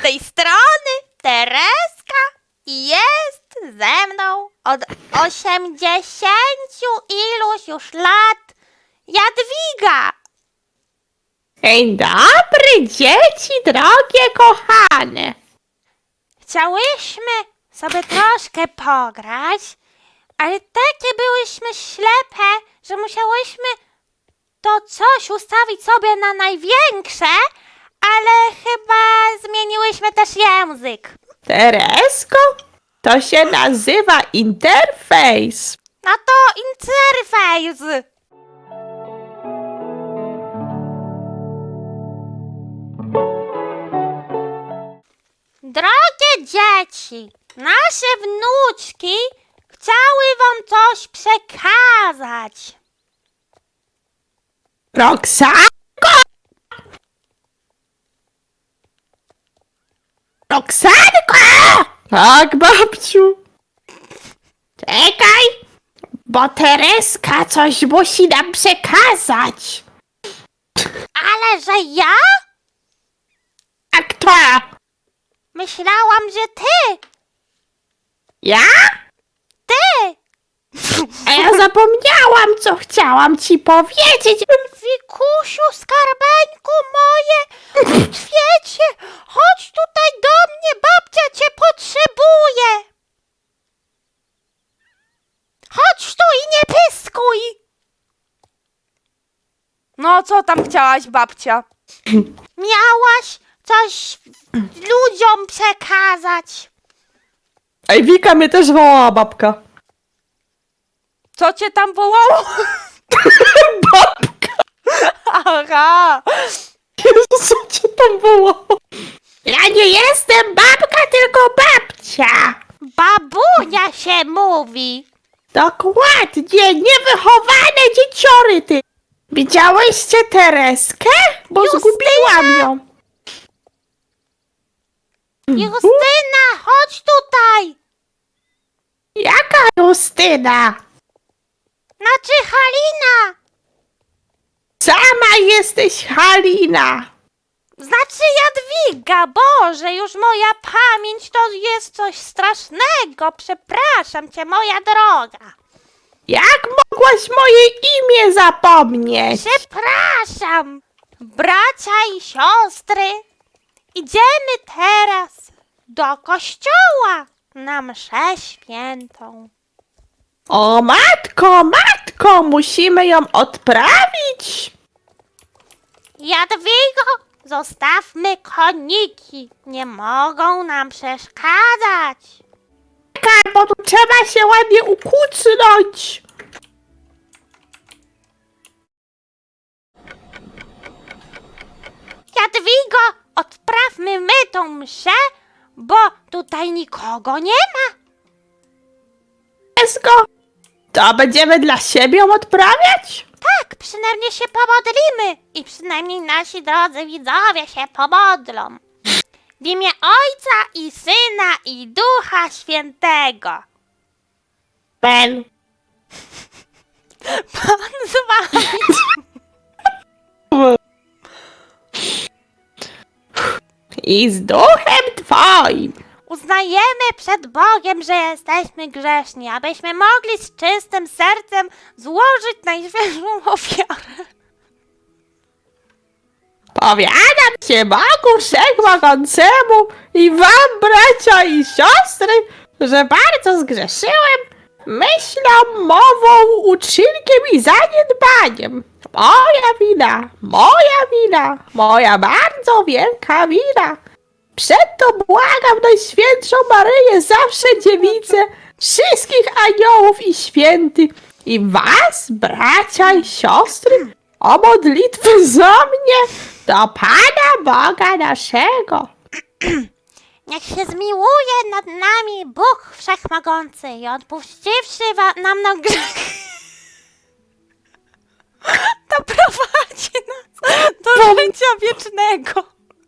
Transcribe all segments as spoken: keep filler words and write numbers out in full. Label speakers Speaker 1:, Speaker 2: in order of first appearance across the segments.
Speaker 1: tej strony Tereska i jest ze mną od osiemdziesięciu iluś już lat Jadwiga.
Speaker 2: Dzień dobry, dzieci drogie, kochane.
Speaker 1: Chciałyśmy sobie troszkę pograć, ale takie byłyśmy ślepe, że musiałyśmy to coś ustawić sobie na największe, ale chyba zmieniłyśmy też język.
Speaker 2: Teresko, to się nazywa interfejs.
Speaker 1: No to interfejs. Drogie dzieci, nasze wnuczki chciały wam coś przekazać.
Speaker 2: Roxanko! Roxanko! Tak, babciu. Czekaj, bo Tereska coś musi nam przekazać.
Speaker 1: Ale że ja?
Speaker 2: A kto?
Speaker 1: Myślałam, że ty,
Speaker 2: Ja?
Speaker 1: ty.
Speaker 2: A ja zapomniałam, co chciałam ci powiedzieć.
Speaker 1: Wikusiu, skarbeńku moje, w świecie, chodź tutaj do mnie, babcia cię potrzebuje. Chodź tu i nie pyskuj. No, co tam chciałaś, babcia? Miałaś coś ludziom przekazać.
Speaker 2: Ej, Wika mnie też wołała, babka.
Speaker 1: Co cię tam wołało?
Speaker 2: Babka!
Speaker 1: Aha.
Speaker 2: Jezu, co cię tam wołało? Ja nie jestem babka, tylko babcia.
Speaker 1: Babunia się mówi.
Speaker 2: Dokładnie, niewychowane dzieciory ty. Widziałyście Tereskę? Bo
Speaker 1: Justyna!
Speaker 2: zgubiłam ją.
Speaker 1: Justyna, chodź tutaj.
Speaker 2: Jaka Justyna?
Speaker 1: Znaczy Halina.
Speaker 2: Sama jesteś Halina.
Speaker 1: Znaczy Jadwiga. Boże, już moja pamięć to jest coś strasznego. Przepraszam cię, moja droga.
Speaker 2: Jak mogłaś moje imię zapomnieć?
Speaker 1: Przepraszam. Bracia i siostry, idziemy teraz do kościoła na mszę świętą.
Speaker 2: O matko, matko, musimy ją odprawić.
Speaker 1: Jadwigo, zostawmy koniki. Nie mogą nam przeszkadzać.
Speaker 2: Czekaj, bo tu trzeba się ładnie ukucnąć.
Speaker 1: Jadwigo, odprawmy my tą mszę, bo tutaj nikogo nie ma.
Speaker 2: Teresko, to będziemy dla siebie ją odprawiać?
Speaker 1: Tak, przynajmniej się pomodlimy i przynajmniej nasi drodzy widzowie się pomodlą. W imię Ojca i Syna i Ducha Świętego.
Speaker 2: Ben.
Speaker 1: Pan z wami.
Speaker 2: I z duchem twoim.
Speaker 1: Uznajemy przed Bogiem, że jesteśmy grzeszni, abyśmy mogli z czystym sercem złożyć najświętszą ofiarę.
Speaker 2: Powiadam się Bogu Wszechmogącemu i wam, bracia i siostry, że bardzo zgrzeszyłem myślą, mową, uczynkiem i zaniedbaniem. Moja wina, moja wina, moja bardzo wielka wina. Przeto błagam Najświętszą Maryję, zawsze dziewicę, wszystkich aniołów i świętych i was, bracia i siostry, o modlitwę za mnie do Pana Boga naszego.
Speaker 1: Niech się zmiłuje nad nami Bóg Wszechmogący i odpuściwszy wa- nam na grzech, doprowadzi nas do życia wiecznego.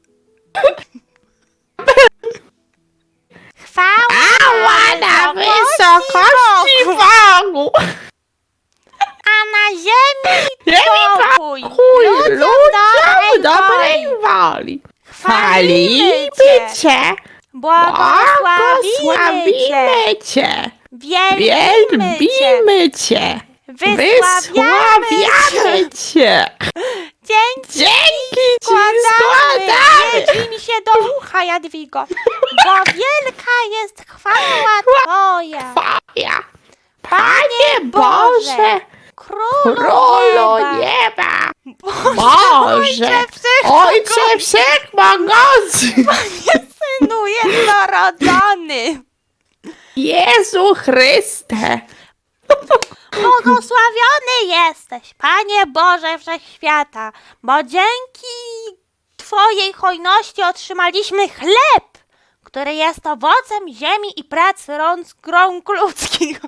Speaker 1: Chwała
Speaker 2: Ała na wysokości Bogu!
Speaker 1: a na ziemi
Speaker 2: Ziemi
Speaker 1: pokój
Speaker 2: pokój
Speaker 1: ludziom
Speaker 2: ludziom
Speaker 1: dobrej
Speaker 2: dobrej
Speaker 1: woli.
Speaker 2: woli.
Speaker 1: chwalimy
Speaker 2: Chwalimy
Speaker 1: Cię,
Speaker 2: Cię.
Speaker 1: błogosławimy Cię,
Speaker 2: Błogosławimy Cię.
Speaker 1: wielbimy Cię,
Speaker 2: Wielbimy Cię.
Speaker 1: wysławiamy
Speaker 2: Wysławiamy Cię.
Speaker 1: Dzięki
Speaker 2: Dzięki Ci
Speaker 1: składamy,
Speaker 2: składamy.
Speaker 1: jedź mi się do ucha, Jadwigo, bo wielka jest chwała Twoja,
Speaker 2: Twoja. Panie Boże,
Speaker 1: Królu
Speaker 2: Królu
Speaker 1: nieba,
Speaker 2: nieba.
Speaker 1: Boże,
Speaker 2: Boże, Ojcze Wszechmogący,
Speaker 1: Synu jednorodzony,
Speaker 2: Jezu Chryste.
Speaker 1: błogosławiony jesteś, Panie Boże Wszechświata, bo dzięki Twojej hojności otrzymaliśmy chleb, który jest owocem ziemi i pracy rąk, rąk ludzkich.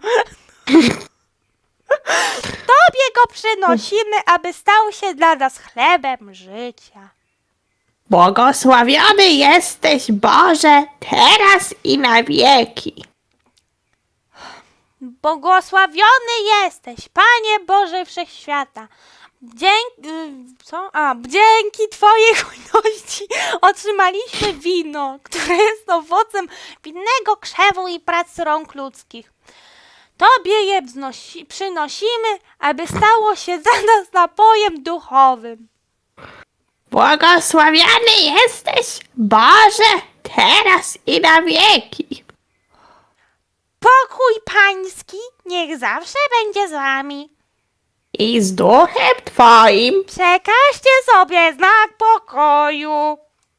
Speaker 1: Tobie go przynosimy, aby stał się dla nas chlebem życia.
Speaker 2: Błogosławiony jesteś, Boże, teraz i na wieki.
Speaker 1: Błogosławiony jesteś, Panie Boże Wszechświata. Dzięki, co? A, dzięki Twojej hojności otrzymaliśmy wino, które jest owocem winnego krzewu i pracy rąk ludzkich. Tobie je wznosi, przynosimy, aby stało się dla nas napojem duchowym.
Speaker 2: Błogosławiony jesteś, Boże, teraz i na wieki.
Speaker 1: Pokój Pański niech zawsze będzie z Wami.
Speaker 2: I z duchem Twoim.
Speaker 1: Przekażcie sobie znak pokoju.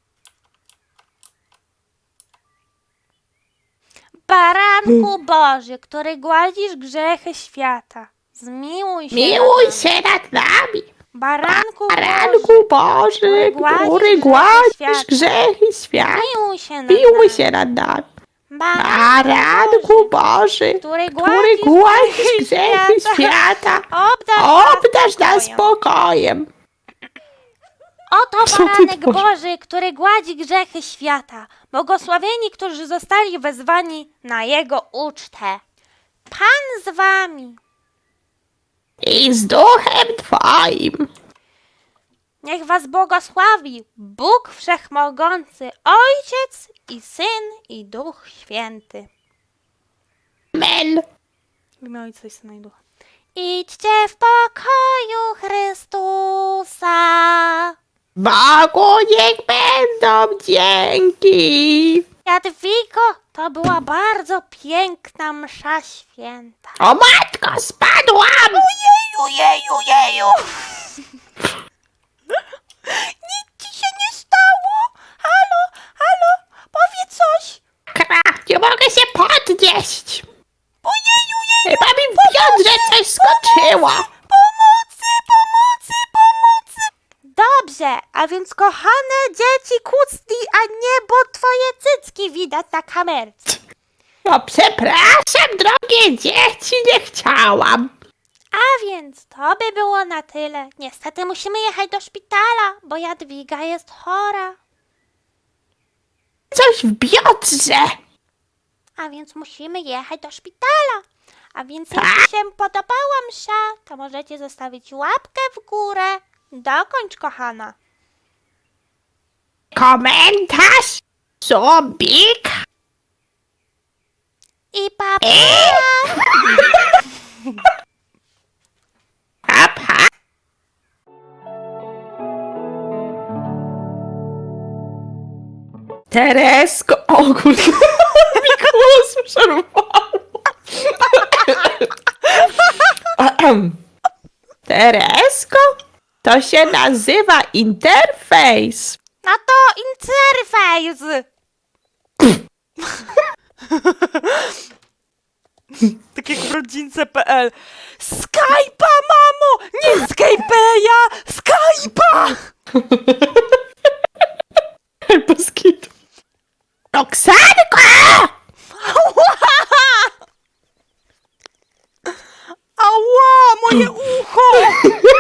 Speaker 1: Baranku Boży, który gładzisz grzechy świata, zmiłuj się
Speaker 2: Miłuj
Speaker 1: nad nami.
Speaker 2: się nad nami.
Speaker 1: Baranku Boży,
Speaker 2: Baranku Boży, który gładzisz grzechy świata.
Speaker 1: zmiłuj się nad
Speaker 2: Miłuj
Speaker 1: nami.
Speaker 2: się nad nami.
Speaker 1: Baranku
Speaker 2: Baranku Boży,
Speaker 1: który
Speaker 2: który
Speaker 1: gładzisz
Speaker 2: gładzisz
Speaker 1: grzechy
Speaker 2: grzechy świata.
Speaker 1: obdarz,
Speaker 2: Obdarz nas
Speaker 1: spokojem.
Speaker 2: spokojem.
Speaker 1: Oto
Speaker 2: Co ty
Speaker 1: baranek
Speaker 2: tworzysz?
Speaker 1: Boży, który gładzi grzechy świata. Błogosławieni, którzy zostali wezwani na Jego ucztę. Pan z wami.
Speaker 2: I z duchem Twoim.
Speaker 1: Niech was błogosławi Bóg Wszechmogący, Ojciec i Syn i Duch Święty.
Speaker 2: Amen.
Speaker 1: W imię Ojca i Syna i Ducha. Idźcie w pokoju Chrystusa.
Speaker 2: Bogu niech będą dzięki.
Speaker 1: Jadwigo, to była bardzo piękna msza święta.
Speaker 2: O matko, spadłam!
Speaker 1: Jeju, jeju, jeju! Nic ci się nie stało? Halo, halo, powiedz coś!
Speaker 2: Kra, nie mogę się podnieść.
Speaker 1: Ojeju, jeju!
Speaker 2: Chyba mi w biodrze coś skoczyło.
Speaker 1: Pomocy, pomocy, pomocy! Dobrze, a więc kochane dzieci, kucnij, a nie, bo twoje cycki widać na kamerce.
Speaker 2: No przepraszam, drogie dzieci, nie chciałam.
Speaker 1: A więc to by było na tyle. Niestety musimy jechać do szpitala, bo Jadwiga jest chora.
Speaker 2: Coś w biodrze.
Speaker 1: A więc musimy jechać do szpitala. A więc
Speaker 2: Tak?
Speaker 1: jeśli się podobała msza, to możecie zostawić łapkę w górę. Dokończ, kochana.
Speaker 2: Komentarz, subik.
Speaker 1: I papa.
Speaker 2: Papa. Teresko, o kurde, mi głos przerwało. Ahem. Teresko, to się nazywa interfejs.
Speaker 1: No to interfejs. Tak jak w rodzince kropka p l. Skype'a, mamo! Nie Skype'a, Skype'a!
Speaker 2: Boskit. Roxanko!
Speaker 1: Ała, moje ucho!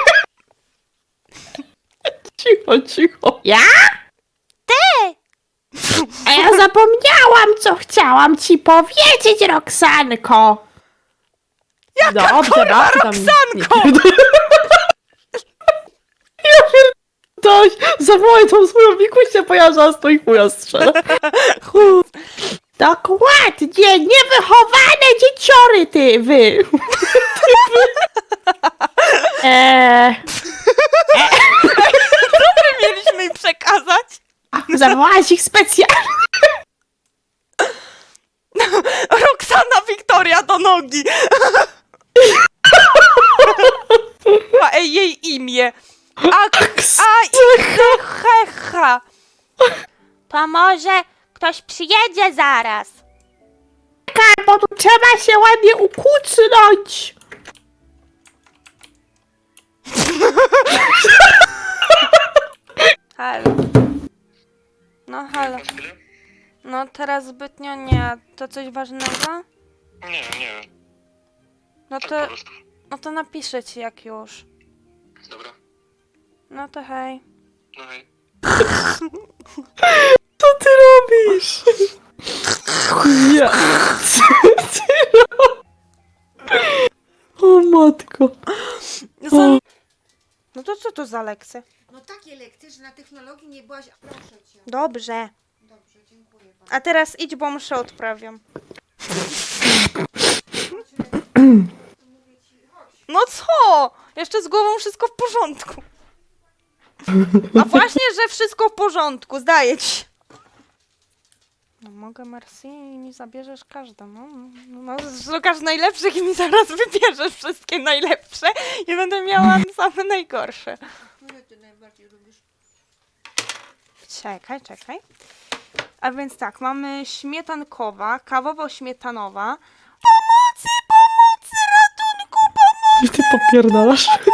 Speaker 2: Cicho, cicho. Ja?
Speaker 1: Ty!
Speaker 2: A ja zapomniałam, co chciałam ci powiedzieć, Roxanko.
Speaker 1: Jaka kurwa
Speaker 2: dam-
Speaker 1: Roxanko?
Speaker 2: Ja pier... Ktoś zawołaj tą swoją wikusię, bo ja zaraz to i chuja strzelę. Chu. Dokładnie, niewychowane dzieciory, ty, wy. Ty, wy. Eee,
Speaker 1: Mieliśmy im przekazać.
Speaker 2: zawołałaś ich specjalnie.
Speaker 1: Roxana Wiktoria do nogi. A ej, jej imię. A, a i hecha. To może ktoś przyjedzie zaraz.
Speaker 2: Czekaj, bo tu trzeba się ładnie ukucnąć.
Speaker 1: Halo. No halo. No teraz zbytnio nie. To coś ważnego?
Speaker 3: Nie, nie.
Speaker 1: No
Speaker 3: Tak
Speaker 1: to,
Speaker 3: po prostu.
Speaker 1: no to napiszę ci jak już.
Speaker 3: Dobra.
Speaker 1: No to hej.
Speaker 3: No hej.
Speaker 2: Co ty robisz? Ja. Co ty robisz? O matko.
Speaker 1: Za... No to co to za lekcje?
Speaker 4: No takie lekcje, że na technologii nie byłaś, a proszę cię.
Speaker 1: Dobrze.
Speaker 4: Dobrze, dziękuję bardzo.
Speaker 1: A teraz idź, bo mszę odprawiam. No co? Jeszcze z głową wszystko w porządku. A właśnie, że wszystko w porządku, zdaje ci. No mogę, merci, i mi zabierzesz każdą. No, no szukasz najlepszych i mi zaraz wybierzesz wszystkie najlepsze i będę miała same najgorsze.
Speaker 4: Które ty najbardziej lubisz?
Speaker 1: Czekaj, czekaj. A więc tak, mamy śmietankowa, kawowo-śmietanowa. Pomocy, pomocy, ratunku, pomocy!
Speaker 2: Ty popierdalasz.